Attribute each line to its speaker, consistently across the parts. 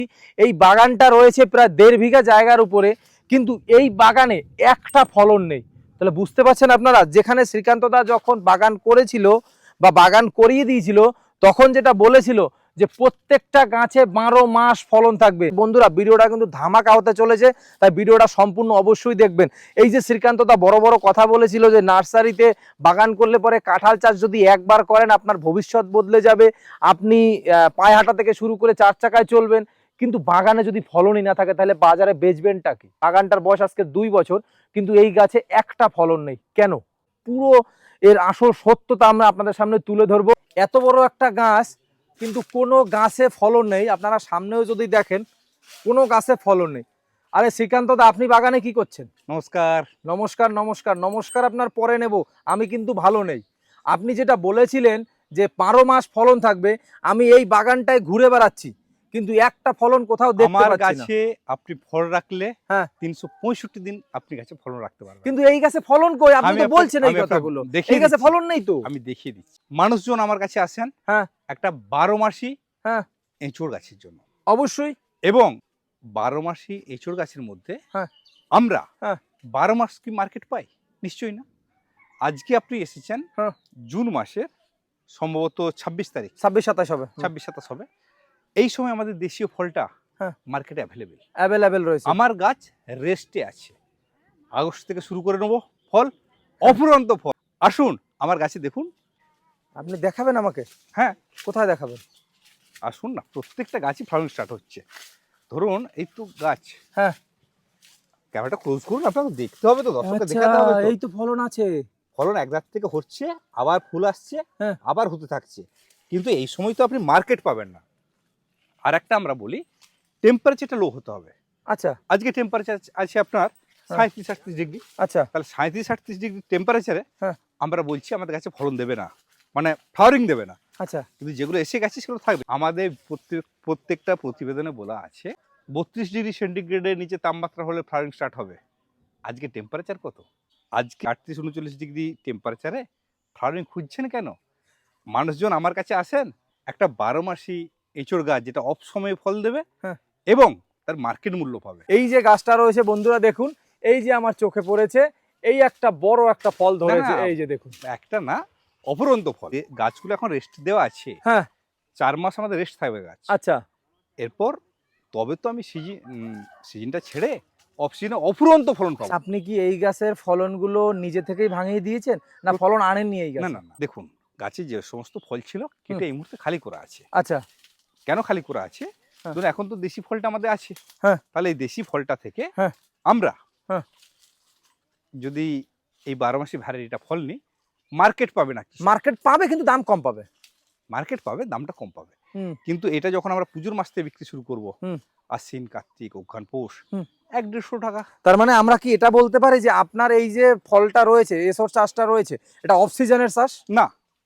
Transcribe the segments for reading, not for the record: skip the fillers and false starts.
Speaker 1: এই বাগানটা রয়েছে প্রায় 1.5 বিঘা জায়গার উপরে, কিন্তু এই বাগানে একটা ফলন নেই। তাহলে বুঝতে পারছেন আপনারা, যেখানে শ্রীকান্ত দা যখন বাগান করেছিল বা বাগান করিয়ে দিয়েছিল, তখন যেটা বলেছিল যে প্রত্যেকটা গাছে 12 মাস ফলন থাকবে। বন্ধুরা, ভিডিওটা কিন্তু ধামাকা হতে চলেছে, তাই ভিডিওটা সম্পূর্ণ অবশ্যই দেখবেন। এই যে শ্রীকান্ত দা বড় বড় কথা বলেছিল যে নার্সারিতে বাগান করলে পরে কাঁঠাল চাষ যদি একবার করেন আপনার ভবিষ্যৎ বদলে যাবে, আপনি পায়ে হাঁটা থেকে শুরু করে 4 চাকায় চলবেন। কিন্তু বাগানে যদি ফলনই না থাকে তাহলে বাজারে বেচবেনটা কি? বাগানটার বয়স আজকে 2 বছর, কিন্তু এই গাছে একটা ফলন নেই কেন? পুরো এর আসল সত্যতা আমরা আপনাদের সামনে তুলে ধরবো। এত বড় একটা গাছ কিন্তু কোনো গাছে ফলন নেই। আপনারা সামনেও যদি দেখেন কোনো গাছে ফলন নেই। আরে শ্রীকান্ত দা, আপনি বাগানে কি করছেন?
Speaker 2: নমস্কার।
Speaker 1: নমস্কার নমস্কার নমস্কার আপনার পরে নেব, আমি কিন্তু ভালো নেই। আপনি যেটা বলেছিলেন যে 12 মাস ফলন থাকবে, আমি এই বাগানটায় ঘুরে বেড়াচ্ছি কিন্তু একটা ফলন কোথাও দেখতে
Speaker 2: আমার
Speaker 1: পাচ্ছি না।
Speaker 2: গাছে আপনি ফল রাখলে
Speaker 1: হ্যাঁ
Speaker 2: 365 দিন আপনি গাছে ফলন রাখতে পারবেন,
Speaker 1: কিন্তু এই গাছে ফলন কই? আপনি তো বলছেন এই
Speaker 2: আমি
Speaker 1: কথাগুলো,
Speaker 2: দেখিয়ে
Speaker 1: এই গাছে
Speaker 2: দিচ্ছি।
Speaker 1: ফলন নেই তো।
Speaker 2: আমি দেখিয়ে দিচ্ছি। মানুষজন আমার কাছে আসেন
Speaker 1: হ্যাঁ
Speaker 2: একটা 12 মাসি
Speaker 1: হ্যাঁ
Speaker 2: এঁচড় গাছের জন্য,
Speaker 1: অবশ্যই।
Speaker 2: এবং 12 মাসি এঁচড় গাছের মধ্যে
Speaker 1: হ্যাঁ
Speaker 2: আমরা
Speaker 1: হ্যাঁ
Speaker 2: 12 মাস কি মার্কেট পাই? নিশ্চয়ই না। আজকে আপনি এসেছেন
Speaker 1: হ্যাঁ
Speaker 2: জুন মাসের সম্ভবত 26 তারিখ,
Speaker 1: 26-27 হবে।
Speaker 2: 26-27 হবে। এই সময় আমাদের দেশীয় ফলটা
Speaker 1: হ্যাঁ
Speaker 2: মার্কেটে
Speaker 1: অ্যাভেলেবেল রয়েছে।
Speaker 2: আমার গাছ রেস্টে আছে। আগস্ট থেকে শুরু করে নেবো ফল, অফুরন্ত ফল। আসুন আমার গাছে দেখুন।
Speaker 1: আপনি দেখাবেন আমাকে?
Speaker 2: হ্যাঁ
Speaker 1: কোথায় দেখাবেন?
Speaker 2: আসুন না, প্রত্যেকটা গাছই ফলন স্টার্ট হচ্ছে। ধরুন এই তো গাছ,
Speaker 1: হ্যাঁ
Speaker 2: ক্যামেরাটা ক্লোজ করুন, আপনাকে দেখতে হবে তো, দর্শককে
Speaker 1: আচ্ছা,
Speaker 2: দেখাতে হবে তো।
Speaker 1: এই তো ফলন আছে।
Speaker 2: ফলন এক রাত থেকে হচ্ছে, আবার ফুল আসছে,
Speaker 1: হ্যাঁ
Speaker 2: আবার হতে থাকছে। কিন্তু এই সময় তো আপনি মার্কেট পাবেন না। আর একটা আমরা বলি, টেম্পারেচারটা লো হতে হবে।
Speaker 1: আচ্ছা
Speaker 2: আজকে টেম্পারেচার আছে আপনার 37-38 ডিগ্রি।
Speaker 1: আচ্ছা
Speaker 2: তাহলে 37-38 ডিগ্রি টেম্পারেচারে
Speaker 1: হ্যাঁ
Speaker 2: আমরা বলছি আমাদের গাছে ফলন দেবে না, মানে ফ্লাওয়ারিং দেবে না।
Speaker 1: আচ্ছা
Speaker 2: কিন্তু যেগুলো এসে গেছে সেগুলো থাকবে। আমাদের প্রত্যেকটা প্রতিবেদনে বলা আছে 32 ডিগ্রি সেন্টিগ্রেডের নিচে তাপমাত্রা হলে ফ্লাওয়ারিং স্টার্ট হবে। আজকে টেম্পারেচার কত? আজকে 38-39 ডিগ্রি টেম্পারেচারে ফ্লাওয়ারিং খুঁজছেন কেন? মানুষজন আমার কাছে আসেন একটা 12 মাসি এঁচড় গাছ যেটা অফ সময়ে ফল দেবে
Speaker 1: হ্যাঁ
Speaker 2: এবং তার মার্কেট মূল্য পাবে।
Speaker 1: এই যে গাছটা রয়েছে বন্ধুরা দেখুন, এই যে আমার চোখে পড়েছে, এই একটা বড় একটা ফল ধরেছে, এই যে দেখুন।
Speaker 2: একটা না, অপরন্ত ফল। গাছগুলো এখন রেস্ট দেওয়া আছে,
Speaker 1: হ্যাঁ
Speaker 2: 4 মাস আমাদের রেস্ট থাকবে গাছ।
Speaker 1: আচ্ছা
Speaker 2: এরপর তবে তো আমি সিজনটা ছেড়ে অফ সিজনে অফুরন্ত ফলন পাবো।
Speaker 1: আপনি কি এই গাছের ফলনগুলো নিজে থেকেই ভাঙিয়ে দিয়েছেন না ফলন আনেননি এই গাছ?
Speaker 2: না না না, দেখুন গাছে যে সমস্ত ফল ছিল কেটে এই মুহূর্তে খালি করা আছে।
Speaker 1: আচ্ছা
Speaker 2: কেন খালি করা আছে?
Speaker 1: হ্যাঁ।
Speaker 2: ধরুন এখন তো দেশি ফলটা আমাদের আছে,
Speaker 1: হ্যাঁ
Speaker 2: তাহলে এই দেশি ফলটা থেকে
Speaker 1: হ্যাঁ
Speaker 2: আমরা
Speaker 1: হ্যাঁ
Speaker 2: যদি এই 12 মাসি ভ্যারাইটিটা ফল নিই, মার্কেট পাবে না।
Speaker 1: মার্কেট পাবে কিন্তু দাম কম পাবে।
Speaker 2: মার্কেট পাবে, দামটা কম পাবে।
Speaker 1: হুম
Speaker 2: কিন্তু এটা যখন আমরা পুজোর মাস থেকে বিক্রি শুরু করব,
Speaker 1: হুম
Speaker 2: আশ্বিন, কার্তিক, অঘ্রান, পৌষ,
Speaker 1: হুম
Speaker 2: 100-150 টাকা।
Speaker 1: তার মানে আমরা কি এটা বলতে পারি যে আপনার এই যে ফলটা রয়েছে, এসব চাষটা রয়েছে, এটা অফ সিজনের চাষ?
Speaker 2: না,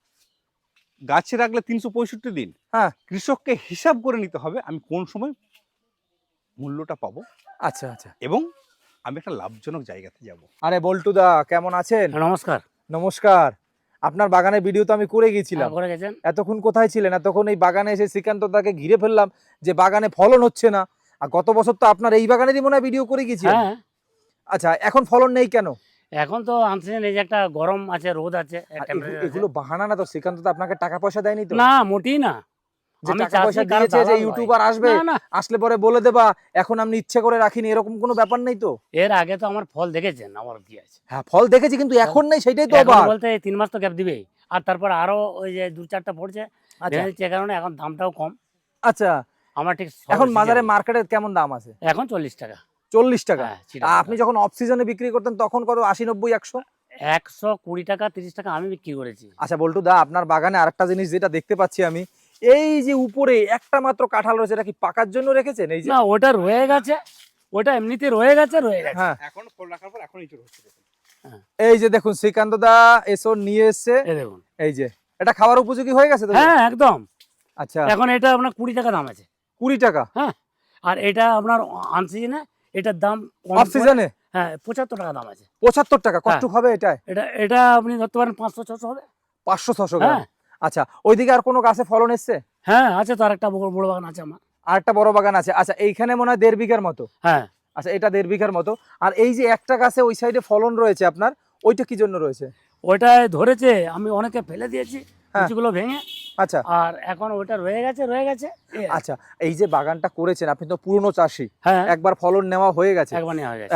Speaker 2: গাছে রাখলে 365 দিন
Speaker 1: হ্যাঁ
Speaker 2: কৃষককে হিসাব করে নিতে হবে আমি কোন সময় মূল্যটা পাবো
Speaker 1: আচ্ছা আচ্ছা।
Speaker 2: এবং আমি একটা লাভজনক জায়গাতে যাব।
Speaker 1: আরে বল্টু দা, কেমন আছেন?
Speaker 3: নমস্কার।
Speaker 1: নমস্কার। আপনার বাগানের ভিডিও তো আমি করে গিয়েছিলাম।
Speaker 3: করে গেছেন?
Speaker 1: এতক্ষণ কোথায় ছিলেন? এতক্ষণ এই বাগানে এসে শ্রীকান্ত দাকে ঘিরে ফেললাম যে বাগানে ফলন হচ্ছে না। আর গত বছর তো আপনার এই বাগানেরই মনে হয় ভিডিও করে গিয়েছিলেন।
Speaker 3: হ্যাঁ,
Speaker 1: আচ্ছা, এখন ফলন নেই কেন?
Speaker 3: এখন তো আনসিজন, এই যে একটা গরম আছে, রোদ আছে,
Speaker 1: আর
Speaker 3: temperature আছে।
Speaker 1: এগুলো বাহানা না তো? শ্রীকান্ত দা আপনাকে টাকা পয়সা দেয়নি তো?
Speaker 3: না, মোটেই না।
Speaker 1: যে
Speaker 3: আমি
Speaker 1: টাকা পয়সা
Speaker 3: চাষি, কারো
Speaker 1: দিয়েছে যে
Speaker 3: দালাল নই।
Speaker 1: ইউটিউবার আসবে,
Speaker 3: না, না।
Speaker 1: আসলে পরে বলে দেবা এখন আপনি ইচ্ছে করে রাখিনি, এরকম কোনো ব্যাপার নেই তো?
Speaker 3: এর আগে তো আমার ফল দেখেছেন, আমার কি আছে।
Speaker 1: হ্যাঁ ফল দেখেছি, কিন্তু এখন নেই, সেটাই তো
Speaker 3: এখন
Speaker 1: অবাক।
Speaker 3: বলতে এই 3 মাস তো গ্যাপ দিবেই। আর তারপর আরো ওই যে 2-4টা পড়ছে,
Speaker 1: আচ্ছা
Speaker 3: ভেঙে দিচ্ছে, কারণে এখন দামটাও কম।
Speaker 1: আচ্ছা,
Speaker 3: আমার ঠিক
Speaker 1: এখন বাজারে মার্কেটে কেমন দাম আছে?
Speaker 3: এখন 40 টাকা।
Speaker 1: 40 টাকা?
Speaker 3: হ্যাঁ,
Speaker 1: আপনি যখন অফ সিজনে বিক্রি করতেন তখন কত? 80, 90, 100?
Speaker 3: 120 টাকা, 30 টাকা আমি বিক্রি করেছি।
Speaker 1: আচ্ছা বল্টু দা, আপনার বাগানে আরেকটা জিনিস যেটা দেখতে পাচ্ছি আমি, এই যে উপরে একটা মাত্র কাঁঠাল রয়েছে, এটা কি পাকার জন্য রেখেছেন? এই যে
Speaker 3: না, ওটা রয়ে গেছে, ওটা এমনিতে রয়ে গেছে।
Speaker 1: হ্যাঁ
Speaker 2: এখন ফল রাখার পর এখন ইঁচড় হচ্ছে।
Speaker 1: এই যে দেখুন শ্রীকান্ত দা এসো নিয়ে এসছে,
Speaker 3: এই দেখুন।
Speaker 1: এই যে এটা খাওয়ার উপযোগী হয়ে গেছে তো?
Speaker 3: হ্যাঁ, একদম।
Speaker 1: আচ্ছা,
Speaker 3: এখন এটা আপনার 20 টাকা দাম আছে।
Speaker 1: 20 টাকা?
Speaker 3: হ্যাঁ, আর এটা আপনার আনসিজনে এটার দাম কম
Speaker 1: অফ সিজনে?
Speaker 3: হ্যাঁ, 75 টাকা দাম আছে।
Speaker 1: 75 টাকা? কতটুক হবে এটা?
Speaker 3: এটা আপনি ধরতে পারেন 500-600 হবে।
Speaker 1: 500-600 গ্রাম?
Speaker 3: হ্যাঁ
Speaker 1: আচ্ছা, ওইদিকে আর কোনো গাছে ফলন এসছে?
Speaker 3: হ্যাঁ, আছে তো, আরেকটা বড় বাগান আছে আমার।
Speaker 1: আর একটা বড় বাগান আছে, আচ্ছা এইখানে মনে হয় 1.5 বিঘার মতো।
Speaker 3: হ্যাঁ,
Speaker 1: আচ্ছা এটা 1.5 বিঘার মতো। আর এই যে একটা গাছে ওই সাইডে ফলন রয়েছে আপনার, ওইটা কি জন্য রয়েছে?
Speaker 3: ওইটায় ধরেছে, আমি অনেকে ফেলে দিয়েছি
Speaker 1: হ্যাঁ।
Speaker 3: কুচিগুলো ভেঙে,
Speaker 1: আচ্ছা
Speaker 3: আর এখন ওইটা রয়ে গেছে এই আর কি।
Speaker 1: আচ্ছা, এই যে বাগানটা করেছেন আপনি তো পুরনো চাষি,
Speaker 3: হ্যাঁ,
Speaker 1: একবার ফলন নেওয়া হয়ে গেছে,
Speaker 3: একবার নেওয়া হয়ে গেছে,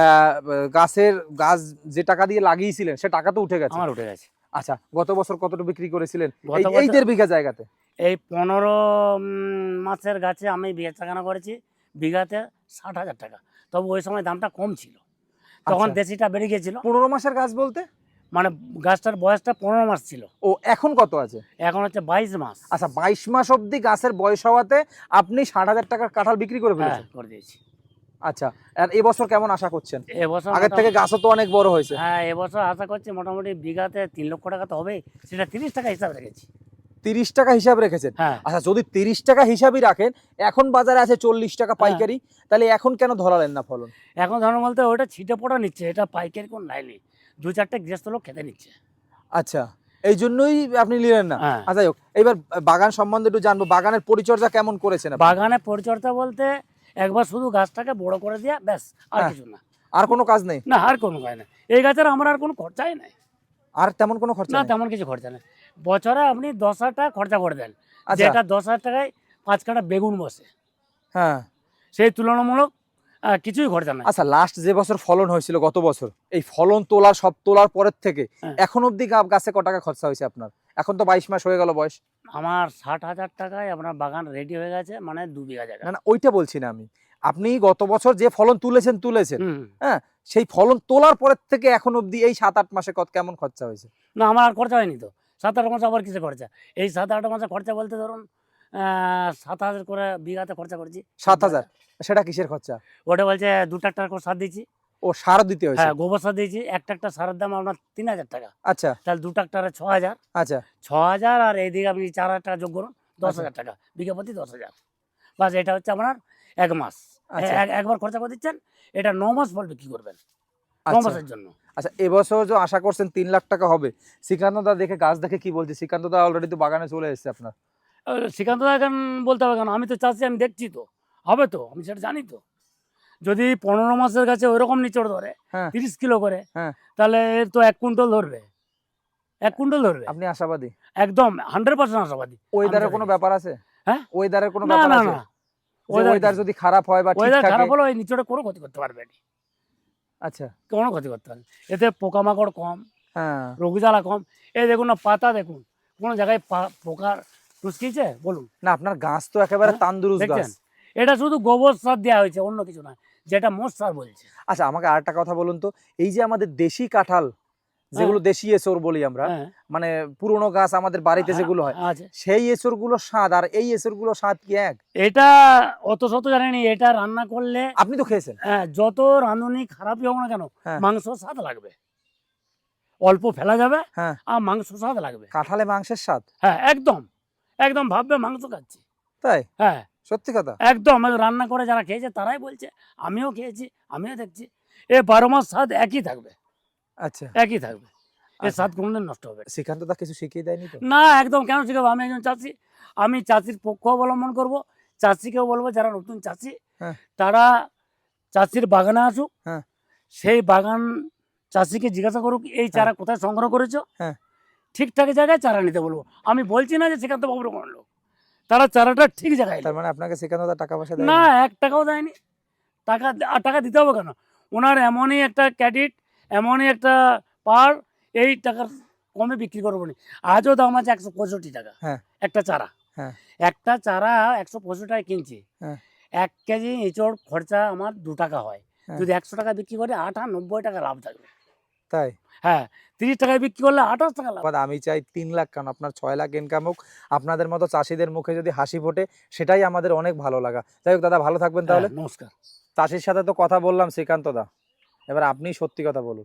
Speaker 1: গাছ যে টাকা দিয়ে লাগিয়েছিলেন সে টাকা তো উঠে গেছে।
Speaker 3: আমার উঠে গেছে।
Speaker 1: আচ্ছা গত বছর কতটা বিক্রি করেছিলেন
Speaker 3: গত
Speaker 1: এই
Speaker 3: বছর
Speaker 1: 1.5 বিঘা জায়গাতে?
Speaker 3: এই 15 মাসের গাছে আমি বেচাকেনা করেছি বিঘাতে 60,000 টাকা। তবে ওই সময় দামটা কম ছিল, তখন
Speaker 1: আচ্ছা।
Speaker 3: দেশিটা বেড়ে গেছিল।
Speaker 1: 15 মাসের গাছ বলতে?
Speaker 3: মানে গাছটার বয়সটা 15 মাস ছিল,
Speaker 1: ও এখন কত আছে?
Speaker 3: এখন হচ্ছে 22 মাস।
Speaker 1: আচ্ছা 22 মাস অবধি গাছের বয়স হওয়াতে আপনি 60,000 টাকার কাঁঠাল বিক্রি করে
Speaker 3: হ্যাঁ,
Speaker 1: ফেলেছেন।
Speaker 3: করে দিয়েছি।
Speaker 1: আচ্ছা, আর এবছর কেমন আশা করছেন?
Speaker 3: এবছর
Speaker 1: আগের থেকে গাছও তো অনেক বড় হয়েছে।
Speaker 3: হ্যাঁ, এবছর আশা করছি মোটামুটি বিঘাতে 3 লক্ষ টাকা তো হবেই, সেটা 30 টাকা হিসাব রেখেছি।
Speaker 1: 30 টাকা হিসাব রেখেছেন?
Speaker 3: হ্যাঁ,
Speaker 1: আচ্ছা যদি 30 টাকা হিসাবই রাখেন, এখন বাজারে আছে 40 টাকা পাইকারি, তাহলে এখন কেন ধরালেন না ফলন?
Speaker 3: এখন ধরুন বলতে ওটা ছিটে পোটা নিচ্ছে, এটা পাইকারি কোন লাইনি, 2-4টে গৃহস্থ লোক খেতে নিচ্ছে।
Speaker 1: আচ্ছা এই জন্যই আপনি নিলেন না।
Speaker 3: হ্যাঁ।
Speaker 1: আচ্ছা হোক, এবার বাগান সম্বন্ধে একটু জানবো, বাগানের পরিচর্যা কেমন করেছেন আপনি?
Speaker 3: বাগানে পরিচর্যা বলতে একবার শুধু গাছটাকে বড় করে দেয়া, ব্যাস, আর
Speaker 1: হ্যাঁ।
Speaker 3: কিছু না।
Speaker 1: আর কোনো কাজ নেই?
Speaker 3: না, আর কোনো কাজ নেই। এই গাছের আমার আর কোনো খরচাই নাই।
Speaker 1: আর তেমন কোনো খরচা
Speaker 3: না,
Speaker 1: নেই?
Speaker 3: তেমন কিছু খরচা নেই। বছরে আপনি 10,000 টাকা খরচা করে দেন,
Speaker 1: আচ্ছা
Speaker 3: যেটা 10,000 টাকায় 5 কাঠা বেগুন বসে,
Speaker 1: হ্যাঁ।
Speaker 3: সেই তুলনামূলক কিছুই খরচা নাই।
Speaker 1: আচ্ছা লাস্ট যে বছর ফলন হয়েছিল গত বছর, এই ফলন তোলার পরের থেকে
Speaker 3: হ্যাঁ।
Speaker 1: এখন অবধি গাছে ক টাকা খরচা হয়েছে আপনার? এখন তো 22 মাস হয়ে গেল বয়স।
Speaker 3: আমার 60,000 টাকায় আপনার বাগান রেডি হয়ে গেছে, মানে 2 বিঘা জায়গা।
Speaker 1: না না ওইটা বলছি না আমি, আপনি গত বছর যে ফলন তুলেছেন
Speaker 3: হুম।
Speaker 1: হ্যাঁ, সেই ফলন তোলার পরের থেকে এখন অবধি এই 7-8 মাসে কেমন খরচা হয়েছে?
Speaker 3: না, আমার আর খরচা হয়নি তো। 7-8 মাসে আবার কিসে খরচা? এই 7-8 মাসে খরচা বলতে ধরুন 7,000 করে বিঘাতে খরচা করেছি।
Speaker 1: 7,000? সেটা কিসের খরচা?
Speaker 3: ওটা বলছে 2 ট্রাক্টর করে সার দিয়েছি।
Speaker 1: ও সার দিতে হয়েছে?
Speaker 3: হ্যাঁ, গোবর সার দিয়েছি। এক ট্রাক্টর সারের দাম আপনার 3,000 টাকা।
Speaker 1: আচ্ছা
Speaker 3: তাহলে 2 ট্রাক্টরে 6,000।
Speaker 1: আচ্ছা
Speaker 3: 6,000 আর এইদিকে আপনি 4,000 টাকা যোগ করুন, 10,000 টাকা। বিঘা প্রতি 10,000। বাস, এটা হচ্ছে আপনার 1 মাস।
Speaker 1: আচ্ছা
Speaker 3: একবার খরচা করে দিচ্ছেন, এটা 9 মাস ফল বিক্রি করবেন। 9
Speaker 1: আচ্ছা
Speaker 3: মাসের জন্য।
Speaker 1: আচ্ছা এবছর যে আশা করছেন 3 লাখ টাকা হবে, শ্রীকান্ত দা দেখে গাছ দেখে কি বলছে? শ্রীকান্ত দা অলরেডি তো বাগানে চলে এসেছে আপনার।
Speaker 3: শ্রীকান্ত দা এখন বলতে হবে কেন? আমি তো চাচ্ছি, আমি দেখছি তো, হবে তো, আমি সেটা জানি তো। যদি 15 মাসের কাছে ওইরকম নিচড় ধরে
Speaker 1: হ্যাঁ
Speaker 3: 30 কিলো করে,
Speaker 1: হ্যাঁ।
Speaker 3: তাহলে এর তো 1 কুইন্টাল ধরবে, 1 কুইন্টাল ধরবে।
Speaker 1: আপনি আশাবাদী?
Speaker 3: একদম 100% আশাবাদী।
Speaker 1: ওয়েদারের
Speaker 3: আমি
Speaker 1: কোনো
Speaker 3: দেখেছি।
Speaker 1: ব্যাপার আছে?
Speaker 3: হ্যাঁ?
Speaker 1: ওয়েদারের কোনো
Speaker 3: না
Speaker 1: ব্যাপার
Speaker 3: না
Speaker 1: আছে?
Speaker 3: না,
Speaker 1: ওয়েদার যদি খারাপ হয় বা ঠিক
Speaker 3: ওয়েদার
Speaker 1: থাকে?
Speaker 3: খারাপ হলে ওই নিচড়ে কোনো ক্ষতি করতে পারবে না,
Speaker 1: আচ্ছা
Speaker 3: কোনো ক্ষতি করতে পারবে না। এতে পোকামাকড় কম,
Speaker 1: হ্যাঁ
Speaker 3: রোগ জ্বালা কম। এই দেখুন না, পাতা দেখুন, কোনো জায়গায় পোকার টুসকিছে বলুন?
Speaker 1: না আপনার গাছ তো একেবারে
Speaker 3: হ্যাঁ,
Speaker 1: তান্দুরুস্ত গাছ।
Speaker 3: দেখছেন? এটা শুধু গোবর সার দেওয়া হয়েছে, অন্য কিছু না, যেটা মোট সার বলছে।
Speaker 1: আচ্ছা আমাকে আরেকটা কথা বলুন তো, এই যে আমাদের দেশি কাঁঠাল, যেগুলো দেশি এসর বলি আমরা,
Speaker 3: হ্যাঁ,
Speaker 1: মানে পুরনো গাছ আমাদের বাড়িতে যেগুলো হয়,
Speaker 3: আছে।
Speaker 1: সেই এসর গুলো স্বাদ আর এই এসর গুলো স্বাদ কি এক?
Speaker 3: এটা অত শত জানেনি, এটা রান্না করলে
Speaker 1: আপনি তো খেয়েছেন।
Speaker 3: যত রাঁধুনি খারাপই হোক না কেন,
Speaker 1: হ্যাঁ।
Speaker 3: মাংস স্বাদ লাগবে। অল্প ফেলা যাবে
Speaker 1: হ্যাঁ
Speaker 3: আর মাংস স্বাদ লাগবে।
Speaker 1: কাঁঠালে মাংসের স্বাদ?
Speaker 3: হ্যাঁ, একদম একদম ভাববে মাংস খাচ্ছি।
Speaker 1: তাই?
Speaker 3: হ্যাঁ,
Speaker 1: সত্যি কথা?
Speaker 3: একদম। রান্না করে যারা খেয়েছে তারাই বলছে, আমিও খেয়েছি, আমিও দেখছি। 12 মাস স্বাদ একই থাকবে,
Speaker 1: আচ্ছা
Speaker 3: একই থাকবে। এর
Speaker 1: আচ্ছা।
Speaker 3: স্বাদ কোনোদিন নষ্ট হবে না।
Speaker 1: শ্রীকান্ত দা কিছু শিখিয়ে দেয়নি তো?
Speaker 3: না, একদম কেন শিখাবো? আমি একজন চাষি, আমি চাষির পক্ষ অবলম্বন করব। চাষিকেও বলবো, যারা নতুন চাষি
Speaker 1: হ্যাঁ।
Speaker 3: তারা চাষির বাগানে আসুক,
Speaker 1: হ্যাঁ।
Speaker 3: সেই বাগান চাষিকে জিজ্ঞাসা করুক এই চারা কোথায় সংগ্রহ করেছো,
Speaker 1: হ্যাঁ।
Speaker 3: ঠিকঠাক জায়গায় চারা নিতে বলবো। আমি বলছি না যে শ্রীকান্ত বাবুর কোনো লোক, তারা চারাটা ঠিক জায়গায়
Speaker 1: তার মানে আপনাকে শ্রীকান্ত দা টাকা পয়সা দেয়
Speaker 3: না, 1 টাকাও দেয়নি। টাকা দিতে হবে কেন? ওনার এমনই একটা ক্যাডিট, এমনই একটা পার, এই টাকার কমে বিক্রি করবো না। আজও দাম আছে 165 টাকা
Speaker 1: হ্যাঁ।
Speaker 3: একটা চারা।
Speaker 1: হ্যাঁ।
Speaker 3: একটা চারা 165 টাকায় কিনছি।
Speaker 1: হ্যাঁ।
Speaker 3: 1 কেজি এঁচড় খরচা আমার 2 টাকা হয়।
Speaker 1: হ্যাঁ।
Speaker 3: যদি 100 টাকা বিক্রি করে 90 টাকা লাভ থাকবে।
Speaker 1: তাই?
Speaker 3: হ্যাঁ, 30 টাকায় বিক্রি করলে 28 টাকা লাভ।
Speaker 1: আমি চাই 3 লাখ কেন আপনার 6 লাখ ইনকাম হোক, আপনাদের মতো চাষিদের মুখে যদি হাসি ফোটে সেটাই আমাদের অনেক ভালো লাগা। যাই হোক দাদা ভালো থাকবেন তাহলে।
Speaker 3: হ্যাঁ, নমস্কার।
Speaker 1: চাষির সাথে তো কথা বললাম শ্রীকান্ত দা, এবার আপনি সত্যি কথা বলুন।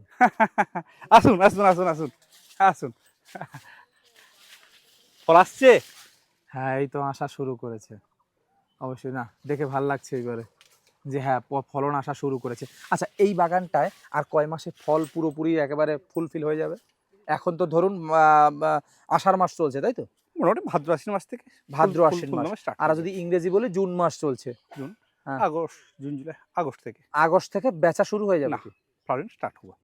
Speaker 2: আসুন আসুন আসুন আসুন আসুন। ফল আসছে?
Speaker 1: হ্যাঁ এই তো আসা শুরু করেছে, অবশ্যই না দেখে ভাল লাগছে এবারে যে হ্যাঁ ফলন আসা শুরু করেছে। আচ্ছা এই বাগানটায় আর কয় মাসে ফল পুরোপুরি একেবারে ফুলফিল হয়ে যাবে? এখন তো ধরুন আষাঢ় মাস চলছে তাই তো?
Speaker 2: মোটামুটি ভাদ্র আশ্বিন মাস থেকে
Speaker 1: ভাদ্র আশ্বিন মাস।
Speaker 2: স্টার্ট।
Speaker 1: আর যদি ইংরেজি বলি জুন মাস চলছে, হ্যাঁ।
Speaker 2: আগস্ট, জুন, জুলাই, আগস্ট থেকে
Speaker 1: আগস্ট থেকে বেচা শুরু হয়ে যাবে
Speaker 2: না।
Speaker 1: কি?
Speaker 2: ফ্লাওয়ারিং স্টার্ট হবে।